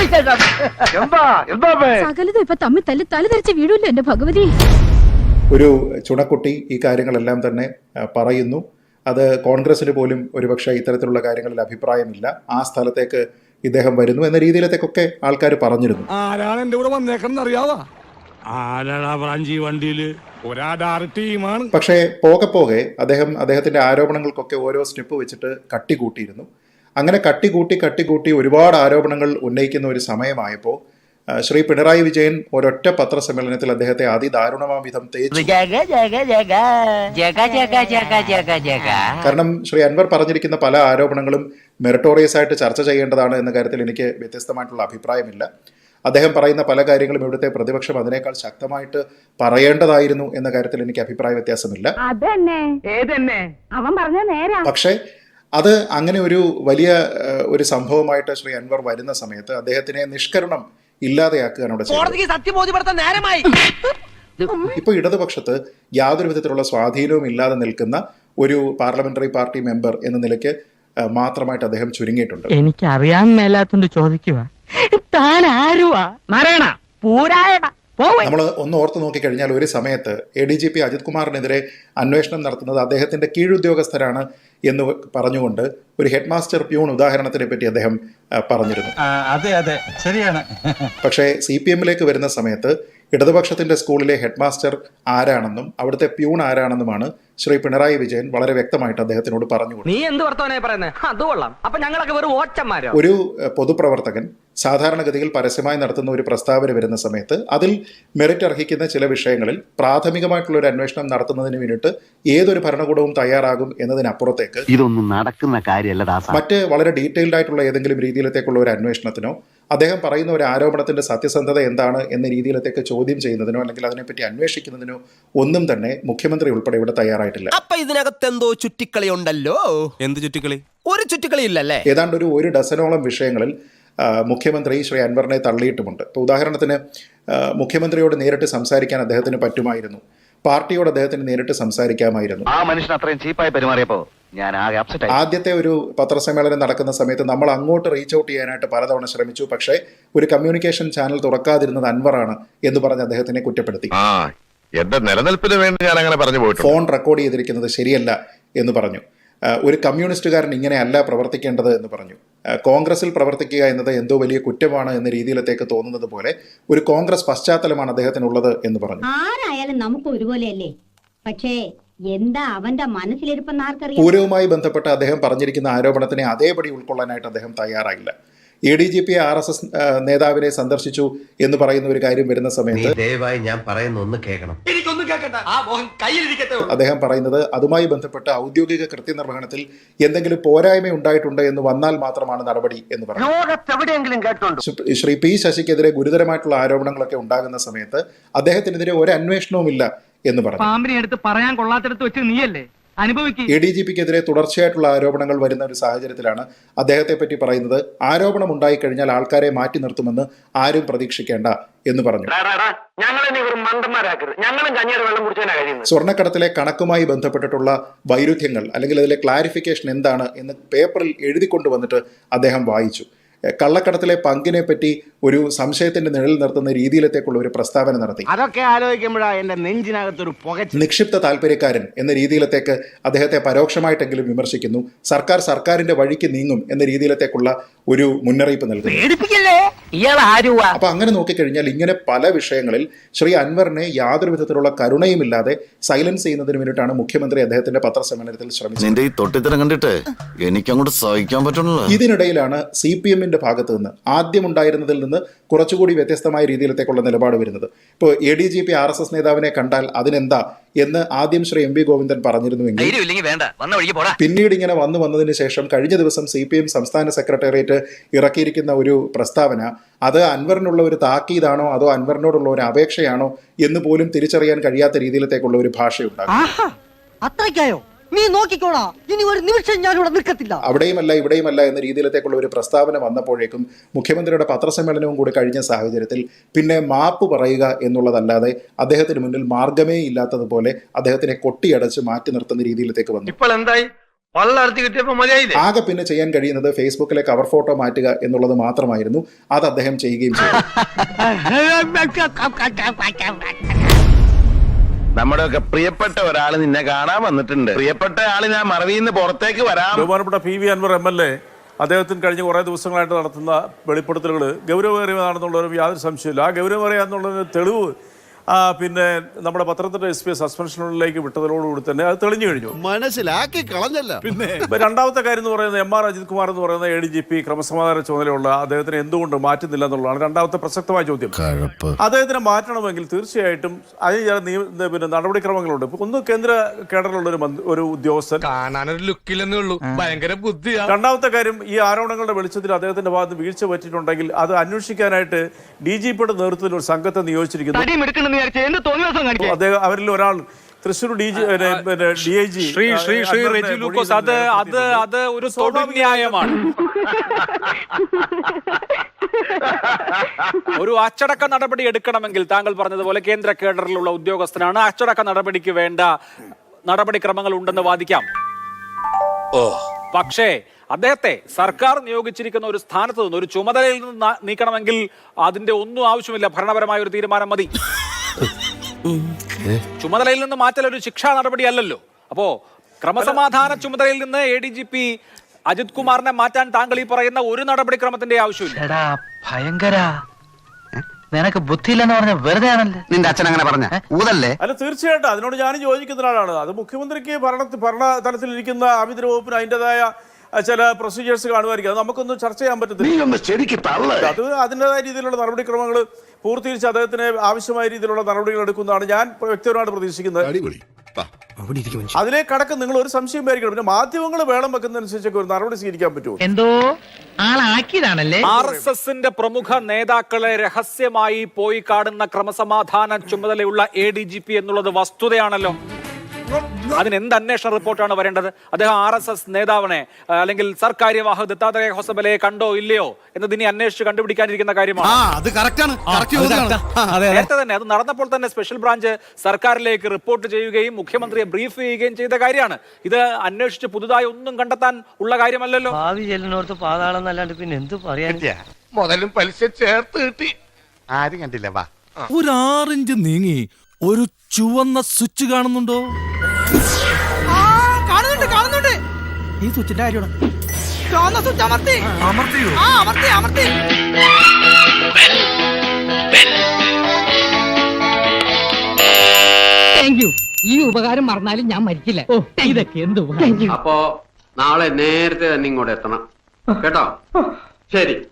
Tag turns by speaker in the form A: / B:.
A: സകലതും ഇപ്പൊ തമ്മിൽ തല്ലി തലതെറിച്ച് വീഴൂല്ലോ എന്റെ ഭഗവതി.
B: ഒരു ചുണക്കുട്ടി ഈ കാര്യങ്ങളെല്ലാം തന്നെ പറയുന്നു. അത് കോൺഗ്രസിന് പോലും ഒരുപക്ഷെ ഇത്തരത്തിലുള്ള കാര്യങ്ങളിൽ അഭിപ്രായമില്ല. ആ സ്ഥലത്തേക്ക് ഇദ്ദേഹം വരുന്നു എന്ന രീതിയിലത്തേക്കൊക്കെ ആൾക്കാർ പറഞ്ഞിരുന്നു.
C: ആരാണ് എന്റെ കൂടെ വന്നേക്കെന്ന് അറിയാവാ? ടീമാണ്.
B: പക്ഷേ പോകെ പോകെ അദ്ദേഹത്തിന്റെ ആരോപണങ്ങൾക്കൊക്കെ ഓരോ സ്റ്റെപ്പ് വെച്ചിട്ട് കട്ടികൂട്ടിയിരുന്നു. അങ്ങനെ കട്ടികൂട്ടി ഒരുപാട് ആരോപണങ്ങൾ ഉന്നയിക്കുന്ന ഒരു സമയമായപ്പോൾ ശ്രീ പിണറായി വിജയൻ ഒരൊറ്റ പത്രസമ്മേളനത്തിൽ അദ്ദേഹത്തെ അതിദാരുണമാം വിധം തേച്ചു. കാരണം ശ്രീ അൻവർ പറഞ്ഞിരിക്കുന്ന പല ആരോപണങ്ങളും മെറിറ്റോറിയസ് ആയിട്ട് ചർച്ച ചെയ്യേണ്ടതാണ് എന്ന കാര്യത്തിൽ എനിക്ക് വ്യത്യസ്തമായിട്ടുള്ള അഭിപ്രായമില്ല. അദ്ദേഹം പറയുന്ന പല കാര്യങ്ങളും ഇവിടുത്തെ പ്രതിപക്ഷം അതിനേക്കാൾ ശക്തമായിട്ട് പറയേണ്ടതായിരുന്നു എന്ന കാര്യത്തിൽ എനിക്ക് അഭിപ്രായ വ്യത്യാസമില്ല. പക്ഷേ അത് അങ്ങനെ ഒരു വലിയ ഒരു സംഭവമായിട്ട് ശ്രീ അൻവർ വരുന്ന സമയത്ത് അദ്ദേഹത്തിനെ നിഷ്കരണം ഇല്ലാതെയാക്കുകയാണ് അവിടെ ചെയ്യുന്നത്. ഇപ്പൊ ഇടതുപക്ഷത്ത് യാതൊരു വിധത്തിലുള്ള സ്വാധീനവും ഇല്ലാതെ നിൽക്കുന്ന ഒരു പാർലമെന്ററി പാർട്ടി മെമ്പർ എന്ന നിലയ്ക്ക് മാത്രമായിട്ട് അദ്ദേഹം ചുരുങ്ങിയിട്ടുണ്ട്.
D: എനിക്ക് അറിയാൻ മേലാത്തോണ്ട് ചോദിക്കുക, താൻ ആരുവാ?
B: നമ്മൾ ഒന്ന് ഓർത്ത് നോക്കിക്കഴിഞ്ഞാൽ ഒരു സമയത്ത് ADGP അജിത് കുമാറിനെതിരെ അന്വേഷണം നടത്തുന്നത് അദ്ദേഹത്തിന്റെ കീഴുദ്യോഗസ്ഥരാണ് എന്ന് പറഞ്ഞുകൊണ്ട് ഒരു ഹെഡ് മാസ്റ്റർ പ്യൂൺ ഉദാഹരണത്തിനെ പറ്റി അദ്ദേഹം പറഞ്ഞിരുന്നു.
E: അതെ ശരിയാണ്.
B: പക്ഷേ CPM-ലേക്ക് വരുന്ന സമയത്ത് ഇടതുപക്ഷത്തിന്റെ സ്കൂളിലെ ഹെഡ് മാസ്റ്റർ ആരാണെന്നും അവിടുത്തെ പ്യൂൺ ആരാണെന്നുമാണ് ശ്രീ പിണറായി വിജയൻ വളരെ വ്യക്തമായിട്ട് അദ്ദേഹത്തിനോട് പറഞ്ഞു. ഒരു പൊതുപ്രവർത്തകൻ സാധാരണഗതിയിൽ പരസ്യമായി നടത്തുന്ന ഒരു പ്രസ്താവന വരുന്ന സമയത്ത് അതിൽ മെറിറ്റ് അർഹിക്കുന്ന ചില വിഷയങ്ങളിൽ പ്രാഥമികമായിട്ടുള്ള ഒരു അന്വേഷണം നടത്തുന്നതിന് വേണ്ടിയിട്ട് ഏതൊരു ഭരണകൂടവും തയ്യാറാകും എന്നതിനപ്പുറത്തേക്ക്
F: ഇതൊന്നും നടക്കുന്ന കാര്യമല്ല.
B: മറ്റ് വളരെ ഡീറ്റെയിൽഡ് ആയിട്ടുള്ള ഏതെങ്കിലും രീതിയിലത്തേക്കുള്ള ഒരു അന്വേഷണത്തിനോ അദ്ദേഹം പറയുന്ന ഒരു ആരോപണത്തിന്റെ സത്യസന്ധത എന്താണ് എന്ന രീതിയിലത്തേക്ക് ചോദ്യം ചെയ്യുന്നതിനോ അല്ലെങ്കിൽ അതിനെപ്പറ്റി അന്വേഷിക്കുന്നതിനോ ഒന്നും തന്നെ മുഖ്യമന്ത്രി ഉൾപ്പെടെ ഇവിടെ തയ്യാറായിട്ടില്ല.
G: അപ്പൊ ഇതിനകത്ത് എന്തോ ചുറ്റിക്കളി ഉണ്ടല്ലോ. എന്ത് ചുറ്റിക്കളി? ഒരു ചുറ്റിക്കളി ഇല്ലല്ലേ?
B: ഏതാണ്ട് ഒരു ഡസനോളം വിഷയങ്ങളിൽ മുഖ്യമന്ത്രി ശ്രീ അൻവറിനെ തള്ളിയിട്ടുമുണ്ട്. ഇപ്പോൾ ഉദാഹരണത്തിന് മുഖ്യമന്ത്രിയോട് നേരിട്ട് സംസാരിക്കാൻ അദ്ദേഹത്തിന് പറ്റുമായിരുന്നു. പാർട്ടിയോട് അദ്ദേഹത്തിന് നേരിട്ട് സംസാരിക്കാമായിരുന്നു.
F: ആ മനുഷ്യൻ അത്രയും ചീപ്പായി പെരുമാറിയപ്പോ ഞാൻ
B: ആദ്യത്തെ ഒരു പത്രസമ്മേളനം നടക്കുന്ന സമയത്ത് നമ്മൾ അങ്ങോട്ട് റീച്ച് ഔട്ട് ചെയ്യാനായിട്ട് പലതവണ ശ്രമിച്ചു. പക്ഷേ ഒരു കമ്മ്യൂണിക്കേഷൻ ചാനൽ തുറക്കാതിരുന്നത് അൻവറാണ് എന്ന് പറഞ്ഞ് അദ്ദേഹത്തിനെ കുറ്റപ്പെടുത്തി.
H: എന്റെ നിലനിൽപ്പിന് വേണ്ടി ഞാൻ അങ്ങനെ പറഞ്ഞു പോയിട്ടുണ്ട്.
B: ഫോൺ റെക്കോർഡ് ചെയ്തിരിക്കുന്നത് ശരിയല്ല എന്ന് പറഞ്ഞു. ഒരു കമ്മ്യൂണിസ്റ്റുകാരൻ ഇങ്ങനെയല്ല പ്രവർത്തിക്കേണ്ടത് എന്ന് പറഞ്ഞു. കോൺഗ്രസിൽ പ്രവർത്തിക്കുക എന്നത് എന്തോ വലിയ കുറ്റമാണ് എന്ന രീതിയിലത്തേക്ക് തോന്നുന്നത് പോലെ ഒരു കോൺഗ്രസ് പശ്ചാത്തലമാണ് അദ്ദേഹത്തിനുള്ളത് എന്ന് പറഞ്ഞു.
I: ആരായാലും നമുക്ക് ഒരുപോലെയല്ലേ, പക്ഷേ എന്താ അവന്റെ മനസ്സിലിരിപ്പെന്ന് ആർക്കറിയാം.
B: പൂരവുമായി ബന്ധപ്പെട്ട് അദ്ദേഹം പറഞ്ഞിരിക്കുന്ന ആരോപണത്തിനെ അതേപടി ഉൾക്കൊള്ളാനായിട്ട് അദ്ദേഹം തയ്യാറായില്ല. ADGP RSS നേതാവിനെ സന്ദർശിച്ചു എന്ന് പറയുന്ന ഒരു കാര്യം വരുന്ന സമയത്ത്
G: ദയവായി ഞാൻ പറയുന്ന ഒന്ന് കേൾക്കണം.
B: അദ്ദേഹം പറയുന്നത് അതുമായി ബന്ധപ്പെട്ട ഔദ്യോഗിക കൃത്യനിർവഹണത്തിൽ എന്തെങ്കിലും പോരായ്മ ഉണ്ടായിട്ടുണ്ട് എന്ന് വന്നാൽ മാത്രമാണ് നടപടി എന്ന് പറഞ്ഞു. ശ്രീ P ശശിക്കെതിരെ ഗുരുതരമായിട്ടുള്ള ആരോപണങ്ങളൊക്കെ ഉണ്ടാകുന്ന സമയത്ത് അദ്ദേഹത്തിനെതിരെ ഒരു അന്വേഷണവുമില്ല എന്ന് പറഞ്ഞു.
D: പറയാൻ കൊള്ളാത്തടത്ത് വെച്ച് നീയല്ലേ
B: ADGP-ക്കെതിരെ തുടർച്ചയായിട്ടുള്ള ആരോപണങ്ങൾ വരുന്ന ഒരു സാഹചര്യത്തിലാണ് അദ്ദേഹത്തെ പറ്റി പറയുന്നത് ആരോപണം ഉണ്ടായിക്കഴിഞ്ഞാൽ ആൾക്കാരെ മാറ്റി നിർത്തുമെന്ന് ആരും പ്രതീക്ഷിക്കേണ്ട എന്ന് പറഞ്ഞു. സ്വർണ്ണക്കടത്തിലെ കണക്കുമായി ബന്ധപ്പെട്ടിട്ടുള്ള വൈരുദ്ധ്യങ്ങൾ അല്ലെങ്കിൽ അതിലെ ക്ലാരിഫിക്കേഷൻ എന്താണ് എന്ന് പേപ്പറിൽ എഴുതിക്കൊണ്ടുവന്നിട്ട് അദ്ദേഹം വായിച്ചു. കള്ളക്കടത്തിലെ പങ്കിനെ പറ്റി ഒരു സംശയത്തിന്റെ നിഴൽ നിർത്തുന്ന രീതിയിലത്തേക്കുള്ള ഒരു പ്രസ്താവന നടത്തി.
E: അതൊക്കെ ആലോചിക്കുമ്പോഴാണ് എന്റെ നെഞ്ചിനകത്തൊരു
B: നിക്ഷിപ്ത താല്പര്യക്കാരൻ എന്ന രീതിയിലത്തേക്ക് അദ്ദേഹത്തെ പരോക്ഷമായിട്ടെങ്കിലും വിമർശിക്കുന്നു. സർക്കാരിന്റെ വഴിക്ക് നീങ്ങും എന്ന രീതിയിലത്തേക്കുള്ള ഒരു മുന്നറിയിപ്പ് നൽകുന്നു. അപ്പൊ അങ്ങനെ നോക്കിക്കഴിഞ്ഞാൽ ഇങ്ങനെ പല വിഷയങ്ങളിൽ ശ്രീ അൻവറിനെ യാതൊരു വിധത്തിലുള്ള കരുണയുമില്ലാതെ സൈലൻസ് ചെയ്യുന്നതിന് വേണ്ടിയിട്ടാണ് മുഖ്യമന്ത്രി അദ്ദേഹത്തിന്റെ പത്രസമ്മേളനത്തിൽ ശ്രമിച്ചത്. ഇതിനിടയിലാണ് CPM ഭാഗത്ത് നിന്ന് ആദ്യമുണ്ടായിരുന്നതിൽ നിന്ന് കുറച്ചുകൂടി വ്യത്യസ്തമായ രീതിയിലത്തേക്കുള്ള നിലപാട് വരുന്നത്. ഇപ്പോൾ ADGP RSS നേതാവിനെ കണ്ടാൽ അതിനെന്താ എന്ന് ആദ്യം ശ്രീ MV ഗോവിന്ദൻ പറഞ്ഞിരുന്നുവെങ്കിൽ പിന്നീട് ഇങ്ങനെ വന്നതിന് ശേഷം കഴിഞ്ഞ ദിവസം CPM സംസ്ഥാന സെക്രട്ടേറിയറ്റ് ഇറക്കിയിരിക്കുന്ന ഒരു പ്രസ്താവന അത് അൻവറിനുള്ള ഒരു താക്കീതാണോ അതോ അൻവറിനോടുള്ള ഒരു അപേക്ഷയാണോ എന്ന് പോലും തിരിച്ചറിയാൻ കഴിയാത്ത രീതിയിലത്തേക്കുള്ള ഒരു ഭാഷയുണ്ടാകും.
D: നീ നോക്കിക്കോളാ, ഇനി ഒരു നിമിഷം ഞാൻ ഇവിടെ നിൽക്കത്തില്ല.
B: ഇവിടെയുമല്ല എന്ന രീതിയിലത്തേക്കുള്ള ഒരു പ്രസ്താവന വന്നപ്പോഴേക്കും മുഖ്യമന്ത്രിയുടെ പത്രസമ്മേളനവും കൂടി കഴിഞ്ഞ സാഹചര്യത്തിൽ പിന്നെ മാപ്പ് പറയുക എന്നുള്ളതല്ലാതെ അദ്ദേഹത്തിന് മുന്നിൽ മാർഗമേ ഇല്ലാത്തതുപോലെ അദ്ദേഹത്തിനെ കൊട്ടിയടച്ച് മാറ്റി നിർത്തുന്ന രീതിയിലത്തേക്ക് വന്നു.
E: ഇപ്പോൾ എന്തായി?
B: ആകെ പിന്നെ ചെയ്യാൻ കഴിയുന്നത് ഫേസ്ബുക്കിലെ കവർ ഫോട്ടോ മാറ്റുക എന്നുള്ളത് മാത്രമായിരുന്നു. അത് അദ്ദേഹം ചെയ്യുകയും ചെയ്തു.
H: നമ്മുടെ ഒക്കെ പ്രിയപ്പെട്ട ഒരാൾ നിന്നെ കാണാൻ വന്നിട്ടുണ്ട്. പ്രിയപ്പെട്ട ആള് ഞാൻ മറവിന്ന് പുറത്തേക്ക് വരാം.
C: ബഹുമാനപ്പെട്ട PV അൻവർ MLA അദ്ദേഹത്തിന് കഴിഞ്ഞ കുറേ ദിവസങ്ങളായിട്ട് നടത്തുന്ന വെളിപ്പെടുത്തലുകൾ ഗൗരവമേറിയതാണെന്നുള്ളൊരു യാതൊരു സംശയമില്ല. ആ ഗൗരവമേറിയാന്നുള്ളൊരു തെളിവ് പിന്നെ നമ്മുടെ പത്രത്തിന്റെ SP സസ്പെൻഷനിലേക്ക് വിട്ടതോടുകൂടി തന്നെ അത് തെളിഞ്ഞു കഴിഞ്ഞു.
G: മനസ്സിലാക്കി കളഞ്ഞല്ല.
C: പിന്നെ രണ്ടാമത്തെ കാര്യം എന്ന് പറയുന്നത് MR അജിത് കുമാർ എന്ന് പറയുന്ന ADGP ക്രമസമാധാന ചുമതലയുള്ള അദ്ദേഹത്തിന് എന്തുകൊണ്ട് മാറ്റുന്നില്ല എന്നുള്ളതാണ് രണ്ടാമത്തെ പ്രസക്തമായ ചോദ്യം. അദ്ദേഹത്തിനെ മാറ്റണമെങ്കിൽ തീർച്ചയായിട്ടും അതിന് പിന്നെ നടപടിക്രമങ്ങളുണ്ട്. ഒന്ന് കേന്ദ്ര കേഡറിലുള്ള ഒരു ഉദ്യോഗസ്ഥൻ
E: കാണാനൊരു ലുക്കില്ലെന്നേ ഉള്ളൂ, ഭയങ്കര ബുദ്ധിയാ.
C: രണ്ടാമത്തെ കാര്യം, ഈ ആരോപണങ്ങളുടെ വെളിച്ചത്തിൽ അദ്ദേഹത്തിന്റെ ഭാഗത്ത് വീഴ്ച പറ്റിയിട്ടുണ്ടെങ്കിൽ അത് അന്വേഷിക്കാനായിട്ട് DGPയുടെ നേതൃത്വത്തിൽ ഒരു സംഘത്തെ നിയോഗിച്ചിരിക്കുന്നു. അദ്ദേഹം അവരിൽ ഒരാൾ തൃശ്ശൂർ DIG
J: ശ്രീ റെജി ലൂക്കോസ്, അത് ഒരു തൊടുന്യായമാണ്. ഒരു അച്ചടക്ക നടപടി എടുക്കണമെങ്കിൽ താങ്കൾ പറഞ്ഞതുപോലെ കേന്ദ്ര കേഡറിലുള്ള ഉദ്യോഗസ്ഥനാണ്. അച്ചടക്ക നടപടിക്ക് വേണ്ട നടപടിക്രമങ്ങൾ ഉണ്ടെന്ന് വാദിക്കാം. പക്ഷേ അദ്ദേഹത്തെ സർക്കാർ നിയോഗിച്ചിരിക്കുന്ന ഒരു സ്ഥാനത്ത് നിന്ന്, ഒരു ചുമതലയിൽ നിന്ന് നീക്കണമെങ്കിൽ അതിന്റെ ഒന്നും ആവശ്യമില്ല, ഭരണപരമായ ഒരു തീരുമാനം മതി. ചുമതലയിൽ നിന്ന് മാറ്റൽ ഒരു ശിക്ഷാ നടപടി അല്ലല്ലോ. അപ്പോ ക്രമസമാധാന ചുമതലയിൽ നിന്ന് ADGP അജിത് കുമാറിനെ മാറ്റാൻ താങ്കൾ ഈ പറയുന്ന ഒരു നടപടിക്രമത്തിന്റെ ആവശ്യമില്ല.
D: ഭയങ്കര നിനക്ക് ബുദ്ധിയില്ലെന്ന് പറഞ്ഞ വെറുതെ ആണല്ലേ
F: നിന്റെ അച്ഛൻ അങ്ങനെ പറഞ്ഞ ഊതല്ലേ?
C: അല്ല, തീർച്ചയായിട്ടും അതിനോട് ഞാനും യോജിക്കുന്ന ഒരാളാണ്. അത് മുഖ്യമന്ത്രിക്ക് ഭരണ തലത്തിലിരിക്കുന്ന ആഭ്യന്തര വകുപ്പിന് അതിൻ്റെതായ ചില പ്രൊസീജിയേഴ്സ് കാണുമായിരിക്കും. അത് നമുക്കൊന്നും ചർച്ച ചെയ്യാൻ പറ്റത്തില്ല. അത് അതിൻ്റെതായ രീതിയിലുള്ള നടപടിക്രമങ്ങൾ പൂർത്തീകരിച്ച് അദ്ദേഹത്തിന് ആവശ്യമായ രീതിയിലുള്ള നടപടികൾ എടുക്കുന്നതാണ് ഞാൻ വ്യക്തിപരമായിട്ട് പ്രതീക്ഷിക്കുന്നത്. അതിലേക്ക് കടക്ക് നിങ്ങൾ ഒരു സംശയം പേരിക്കണം. പിന്നെ മാധ്യമങ്ങൾ വേളം വെക്കുന്നതനുസരിച്ചൊക്കെ ഒരു നടപടി സ്വീകരിക്കാൻ പറ്റുമോ?
D: എന്തോ ആളാക്കിയതാണല്ലേ.
J: RSSന്റെ പ്രമുഖ നേതാക്കളെ രഹസ്യമായി പോയി കാണുന്ന ക്രമസമാധാന ചുമതലയുള്ള ADGP എന്നുള്ളത് വസ്തുതയാണല്ലോ. അതിനെന്ത് അന്വേഷണ റിപ്പോർട്ടാണ് വരേണ്ടത്? അദ്ദേഹം RSS നേതാവിനെ അല്ലെങ്കിൽ സർക്കാര്യവാഹ് ദത്താത്രേയ ഹൊസബലയെ കണ്ടോ ഇല്ലയോ എന്നത് ഇനി അന്വേഷിച്ച് കണ്ടുപിടിക്കാനിരിക്കുന്ന കാര്യമാണ്. നേരത്തെ തന്നെ അത് നടന്നപ്പോൾ തന്നെ സ്പെഷ്യൽ ബ്രാഞ്ച് സർക്കാരിലേക്ക് റിപ്പോർട്ട് ചെയ്യുകയും മുഖ്യമന്ത്രിയെ ബ്രീഫ് ചെയ്യുകയും ചെയ്ത കാര്യമാണ്. ഇത് അന്വേഷിച്ച് പുതുതായി ഒന്നും കണ്ടെത്താൻ ഉള്ള കാര്യമല്ലല്ലോ.
D: ഭാവി ചെല്ലിനോർത്ത് പാതാളം എന്നല്ലാണ്ട് പിന്നെ എന്ത് പറയാൻ.
E: മുതലും പലിശ ചേർത്ത് കിട്ടി.
H: ആരും കണ്ടില്ല. വാ,
G: ഒരു 6 ഇഞ്ച് നീങ്ങി ഒരു ചുവന്ന സ്വിച്ച് കാണുന്നുണ്ടോ?
D: കാണുന്നുണ്ട്.
G: ഈ സ്വിച്ചിന്റെ കാര്യമാണ്.
D: ഈ ഉപകാരം മറന്നാലും ഞാൻ മരിക്കില്ല. ഇതൊക്കെ എന്ത്.
E: അപ്പോ നാളെ നേരത്തെ തന്നെ ഇങ്ങോട്ട് എത്തണം കേട്ടോ. ശരി.